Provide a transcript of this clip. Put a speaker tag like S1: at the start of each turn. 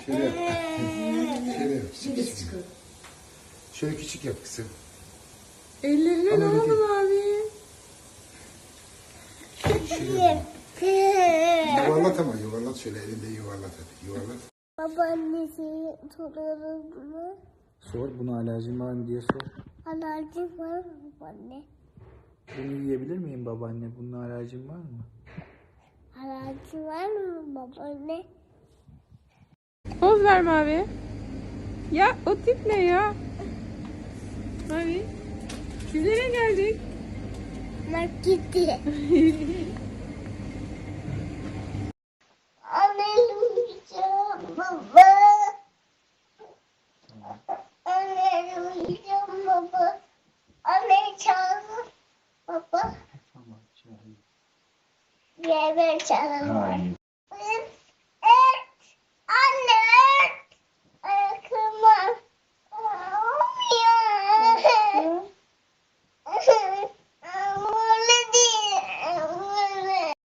S1: Şöyle yap. Şöyle yap.
S2: Şimdi çıkıyor.
S1: Şöyle küçük yap kızım.
S3: Ellerine
S1: Ama
S3: ne
S1: öyle
S3: oldu
S1: değil.
S3: abi?
S1: Şöyle yap. Yuvarlat ama yuvarlat şöyle elinde yuvarlat hadi. Yuvarlat.
S4: Babaannesi soruyorum bunu.
S5: Sor, buna alerjin var mı diye sor.
S4: Alerjin var mı babaanne?
S5: Bunu yiyebilir miyim babaanne? Bunun alerjin var mı?
S4: Alerjin var mı babaanne?
S3: Poz ver Mavi. Ya o tip ne ya? Mavi. Biz nereye geldik?
S4: Markete. Anne uyuyacağım baba. Anne uyuyacağım baba. Anne çağır baba.
S5: Tamam, çağırayım.
S4: Diğer çağırma.
S5: Hayır.